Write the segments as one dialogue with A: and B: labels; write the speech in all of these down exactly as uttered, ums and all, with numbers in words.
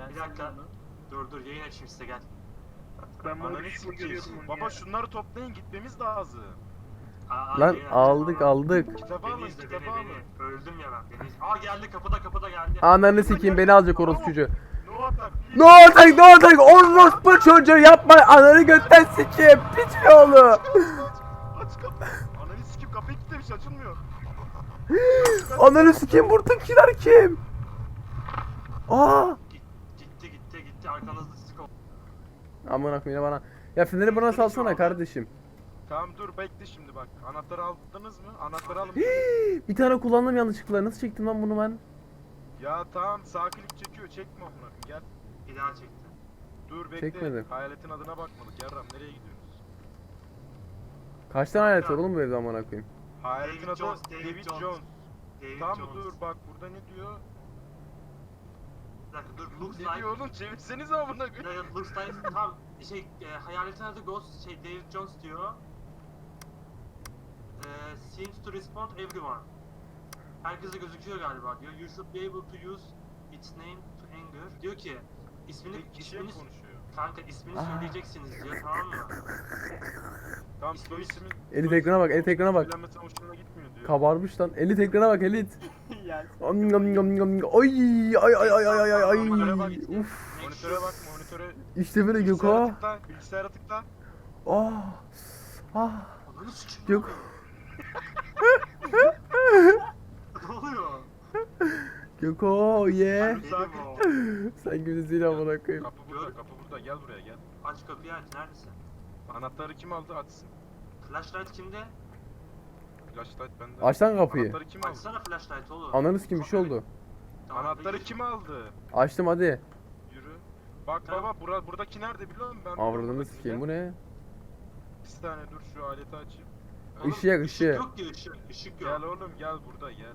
A: Gel
B: Bir dakika.
A: sen de.
B: Dur dur yayın açayım size gel.
A: Ben bunu
C: Ananı
A: bir şey
C: sikeyim.
A: görüyordum onu
C: Baba
A: ya.
C: şunları toplayın gitmemiz lazım.
B: Aa,
D: Lan
B: yayın
D: aldık
B: açacağım.
D: aldık.
C: Kitabı
B: Beni
C: alın
B: izle
C: kitabı
B: beni
C: alın.
B: beni. Öldüm ya ben beni izle. Aa geldi kapıda kapıda geldi.
D: Ananı sikeyim beni alacak orospu çocuğu.
C: No atak.
D: Ne olacak ne olacak orospu çocuğu yapma ananı götten sikeyim piç oğlu.
C: Aç kapı. Ananı sikeyim kapıyı kilitlemiş açılmıyor.
D: Ananı sikeyim buradakiler kim? Aa.
B: Git- Gitti gitti gitti arkanızda sizi kov.
D: Aman akım yine bana. Ya feneri bana salsana kardeşim.
C: Tamam dur bekle şimdi bak. Anahtarı aldınız mı? Anahtarı alın.
D: Hii, bir tane kullandım yanlışlıkla. Nasıl çektim lan bunu ben?
C: Ya tamam sağ klik çekiyor çekme amına koyayım, gel.
B: Bir daha çekti.
C: Dur bekle.
D: Çekmedim.
C: Hayaletin adına bakmadık. Yarram nereye gidiyorsunuz?
D: Kaç tane alet var oğlum bu evde amına koyayım?
C: Hayaletin
B: David
C: adı
B: Jones,
C: David,
B: David
C: Jones.
B: Jones. David
C: Tamam
B: Jones.
C: dur bak burada ne diyor?
B: Bir dakika dur looks
C: Ne
B: like.
C: diyor oğlum çevirsenize amına
B: Bir
C: koyayım.
B: dakika looks like tam şey e, hayaletin adı Ghost şey David Jones diyor. E, seems to respond everyone. Herkese gözüküyor galiba diyor. You should be able to use its name to anger. Diyor ki ismini
C: Bir kişiye
B: ismini
C: konuşuyor.
B: kanka ismini
D: Aa.
B: söyleyeceksiniz diyor tamam mı?
C: Tamam
B: İsmi-
C: soy ismin.
D: Elit
C: soy
D: ekrana bak,
C: ismin
D: elit ekrana bak.
C: söylenmesi hoşuna gitmiyor diyor.
D: Kabarmış lan. Elit ekrana bak elit.
A: Gel.
D: Am, yam, yam, yam. Ay ay ay ay ay ay ay.
C: Monitöre bak.
D: Uf.
C: Monitöre bak monitöre.
D: İşte böyle
C: Bilgisayara
D: Göko.
C: tıkla. Bilgisayara tıkla.
D: Ah. Ah.
B: Ananı sikeyim.
D: Gök.
B: Ne oluyor?
D: Göko ye.
B: Benim o.
D: Sen gibisiyle amına koyayım.
C: Kapı burada kapı burada gel buraya gel.
B: Aç kapıyı aç neredesin?
C: Anahtarı kim aldı açsın.
B: Flashlight kimde?
C: Flashlight bende.
D: Aç lan kapıyı.
C: Anahtarı kim aldı?
B: Açsana flashlight oğlum.
D: Ananı sikeyim bir şey oldu.
B: Tamam,
C: Anahtarı
B: peki.
C: kim aldı?
D: Açtım hadi.
C: Yürü. Bak
B: Tamam.
C: baba bura, buradaki nerede biliyor musun? Ben
D: Avradını sikeyim bu ne?
C: Bir saniye dur şu aleti açayım.
B: Oğlum,
D: Işık yak, ışık.
B: yok ki ışık. Işık yok.
C: Gel oğlum gel burada gel.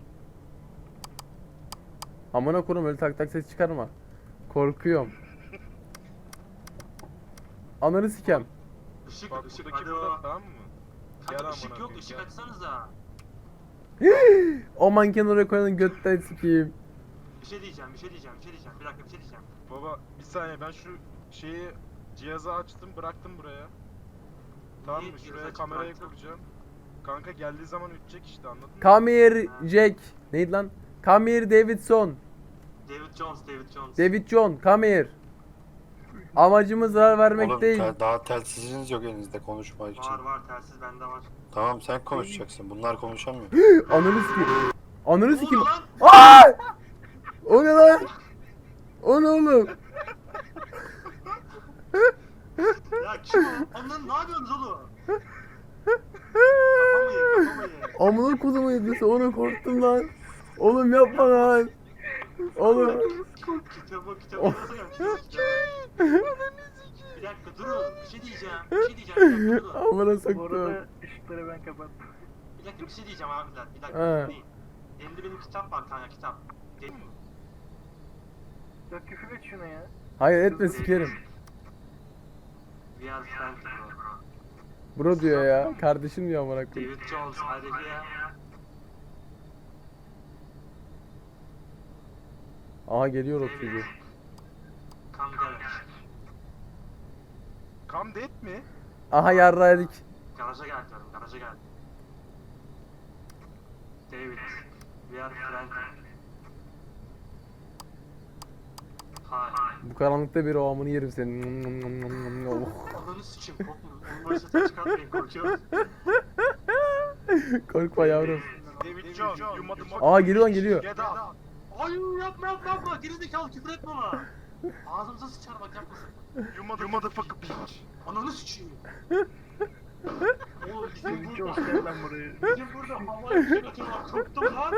D: Amına koyayım öyle tak tak ses çıkarma. Korkuyorum. Ananı sikem.
B: Işık
C: Bak
B: ışık
C: buradaki
B: hadi
C: burada
B: o.
C: tamam mı?
B: Kanka
C: Gel
B: ışık
C: amına
B: yok
C: koyayım,
B: ışık
C: gel.
B: açsanıza.
D: O manken oraya koyanın götten sikeyim.
B: Bir şey diyeceğim bir şey diyeceğim bir şey diyeceğim. Bir dakika bir şey diyeceğim.
C: Baba bir saniye ben şu şeyi cihazı açtım bıraktım buraya. Tamam
B: Niye
C: mı?
B: cihazı
C: Şuraya
B: açıp
C: kamerayı
B: bıraktın?
C: kuracağım. Kanka geldiği zaman ütecek işte anladın mı?
D: Come here Jack. Neydi lan? Come here Davidson.
B: David Jones David Jones.
D: David John come here. Amacımız zarar vermek
E: Oğlum
D: değil.
E: te- daha telsiziniz yok elinizde konuşmak için.
B: Var var telsiz bende var.
E: Tamam sen konuşacaksın. Bunlar konuşamıyor.
D: Ananı sikeyim. Ananı
B: Ne
D: sikeyim.
B: oluyor lan?
D: Aa! O ne lan? O ne oğlum?
B: Ya kim o? Ondan ne yapıyorsunuz oğlum? Kafamı ye kafamı ye.
D: Amına kodumu yedisi ona korktum lan. Oğlum yapma lan. Oğlum.
B: Kitabı kitabı yazacağım kitabı kitabı. Bir dakika durun bir şey diyeceğim. Bir şey diyeceğim bir dakika durun.
D: Amına
A: Bu
D: soktum.
A: arada ışıkları ben kapattım.
B: Bir dakika bir şey diyeceğim abiler. Bir dakika
D: He.
B: dinleyin. Elimde benim kitap var kanka kitap. Değil mi?
A: Ya küfür et şuna ya.
D: Hayır etme sikerim.
B: We are friends bro.
D: Bro diyor ya. Kardeşim diyor amına koyayım.
B: David Jones are you here?
D: Aha geliyor o çocuğu.
B: Come garage.
C: Come dead mi?
D: Aha yarraydık.
B: Garaja gel diyorum garaja gel. David. We are friends. Hi.
D: Bu karanlıkta bir o amını yerim senin. Oh.
B: Ananı sikeyim korkma. Onun başı ses çıkartmayın korkuyorum.
D: Korkma yavrum.
C: David John, you motherfucker.
D: Aa geliyor lan geliyor.
C: Get out.
B: Ay yapma yapma yapma. Gerizekalı küfür etme ona. Ağzımıza sıçar bak yapmasın.
C: You mother- you motherfucker bitch.
B: Ananı sikeyim. Oğlum bizim
A: David
B: burada,
A: Jones gel lan buraya.
B: bizim burada havaya bir şey atıyorlar. Korktum lan.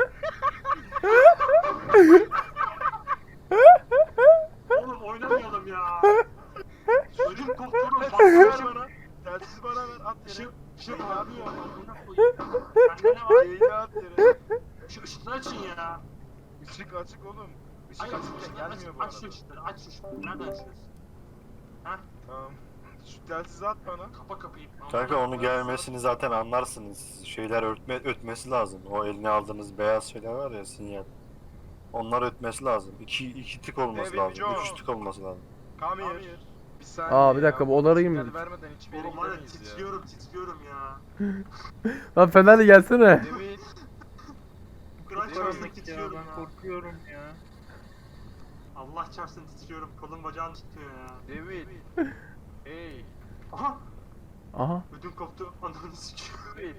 B: Oğlum oynamayalım ya. Ödüm koptuğunu bak
C: Telsiz ver
B: şey
C: bana. Telsiz bana ver at
B: bir şey
C: yere.
B: bir şey
C: Beni
B: abi
C: atıyor.
B: ya. Buna koyayım. Sende ne var?
C: Beyni at yere.
B: Şu ışıkları açın ya.
C: Işık açık oğlum. Işık
B: Hayır
C: açıkken
B: ışıkları aç,
C: gelmiyor bu
B: aç şu
C: arada.
B: ışıkları aç şu ışıkları. Nereden açıyorsun? Ha?
C: Tamam. Şu telsizi at bana.
B: Kapa kapıyı.
E: Kanka onu gelmesini zaten anlarsınız. Şeyler örtme ötmesi lazım. O eline aldığınız beyaz şeyler var ya sinyal. Onlar ötmesi lazım. İki, iki tık olması
C: David
E: lazım.
C: Jones.
E: Üç tık olması lazım.
C: Come here. Bir saniye
D: Aa, bir
C: ya,
D: dakika, bu
C: bu
D: odarayım
C: sinyal
D: mı?
C: vermeden hiçbir yere
B: Oğlum var ya
C: gidemeyiz ya.
B: titriyorum titriyorum ya.
D: Lan Fenerli gelsene.
C: David.
B: Kur'an
C: David
B: çarpsın
A: Ya
B: titriyorum
A: ben
B: ya.
A: korkuyorum ya.
B: Allah çarpsın titriyorum. Kolum bacağım titriyor ya.
C: David. Hey.
B: Aha!
D: Aha.
B: Ödüm koptu. Ananı sikiyor.
C: David.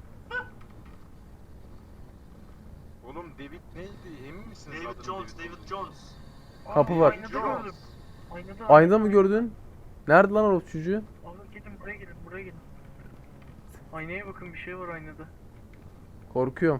C: Oğlum David neydi? Emin misiniz
B: David
C: adının
B: Jones,
C: David
B: David Jones.
D: Kapı
A: Aa,
D: var.
A: Aynada
C: Jones.
A: gördüm. Aynada.
D: Aynada mı gördün? Nerede lan o çocuğu?
A: Abi gelin buraya gelin buraya gelin. Aynaya bakın bir şey var aynada.
D: Korkuyorum.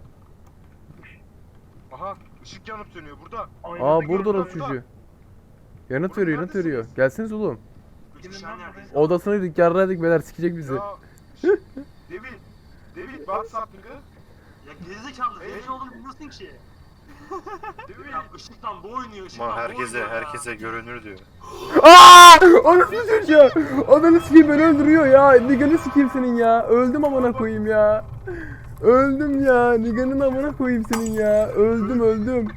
C: Aha ışık yanıp sönüyor burada.
A: Aynada
D: Aa
A: gördüm.
D: burada o
C: orada.
D: çocuğu. Yanıt
C: Burada
D: veriyor, yanıt veriyor.
C: neredesiniz?
D: Gelseniz oğlum.
B: Üç
A: Kimin
B: kişi
A: lan
B: neredeyiz?
D: Odasına gittik, yarraydık beyler, sikecek bizi.
C: Ya. David. David what's happening?
B: Ya gerizekalı
C: Hey.
B: zengin olduğunu bilmiyorsun ki.
C: David.
B: Ya ışıktan bu oynuyor, ışıktan
E: Ama
B: bu
E: herkese
B: oynuyor ya.
E: herkese görünür diyor.
D: Aaa! Anasını çocuğu. Ananı sikeyim, beni öldürüyor ya. Nigan'ı sikeyim senin ya. Öldüm amına koyayım ya. Öldüm ya. Nigan'ın amına koyayım senin ya. Öldüm öldüm.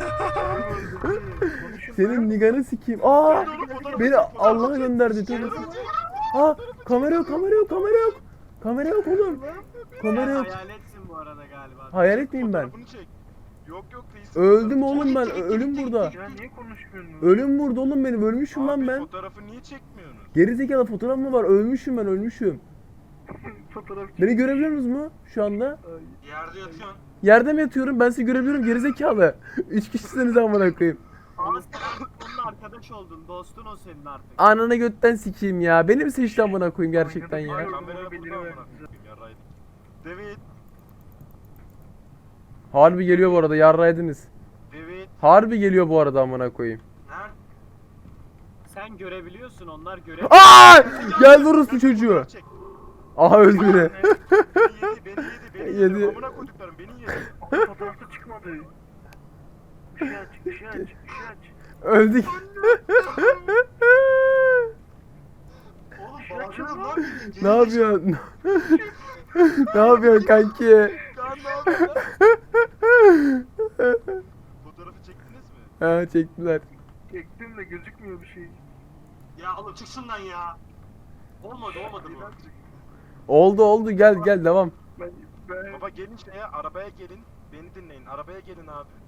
A: Konuşun
D: Senin
A: lan.
D: Nigan'ı sikeyim. Aa!
C: Hadi oğlum, fotoğrafı
D: Beni
C: çek, fotoğrafı
D: Allah'a
C: çek.
D: gönderdi. Tövbe. Aa! Kamera yok, kamera yok, kamera yok. Kamera yok oğlum. Kamera yok.
F: Hayaletsin bu arada galiba.
D: Hayalet miyim ben?
C: Fotoğrafını çek. Yok yok değilsin.
D: Öldüm oğlum ben.
B: Çek, çek, çek,
D: Ölüm
B: çek,
D: burada.
A: Ya niye konuşmuyorsunuz?
D: Ölüm burada oğlum benim. Ölmüşüm
C: Abi
D: lan ben.
C: fotoğrafı niye çekmiyorsunuz?
D: Gerizekalı fotoğraf mı var? Ölmüşüm ben, ölmüşüm.
A: Fotoğraf
D: Beni görebiliyor musunuz mu şu anda?
A: Ay,
B: Yerde yatıyorsun.
D: Yerde mi yatıyorum? Ben sizi görebiliyorum, gerizekalı. Üç kişisiniz amına koyayım.
F: Ama sen artık onunla arkadaş oldun. Dostun o senin artık.
D: Ananı götten sikeyim ya. Beni mi seçti amına koyayım gerçekten
A: Aynada
D: ya?
A: bir-
C: Kamera
A: Doğru
C: burada
A: bildirim
C: amına
A: ver.
C: koyayım, yarraydık. David.
D: Harbi geliyor bu arada, yarraydınız.
C: David.
D: Harbi geliyor bu arada amına koyayım.
B: Nerede?
F: Sen görebiliyorsun, onlar göremiyor.
D: Aa! Gel orospu çocuğu.
C: Fotoğraf çek.
D: Aha öldü yine.
C: Beni yedi, beni yedi, beni yedi.
D: Yedi.
C: Amına koyduklarım beni yedi.
A: Ama fotoğrafta çıkmadı. Işığı aç, ışığı aç, ışığı aç.
D: Öldük.
B: Oğlum
A: Şuna
B: bağırıyorum
A: çıkma.
B: lan bildiğin,
D: Ne
B: gerizekalı.
D: yapıyorsun? Ne yapıyorsun kanki?
C: Kaan ne yapıyor lan? Fotoğrafı çektiniz mi?
D: Ha çektiler.
A: Çektim de gözükmüyor bir şey.
B: Ya oğlum çık şundan ya. Olmadı olmadı bu.
D: Oldu oldu, gel gel devam.
A: Ben, ben
C: Baba gelin şeye, arabaya gelin. Beni dinleyin, arabaya gelin abi.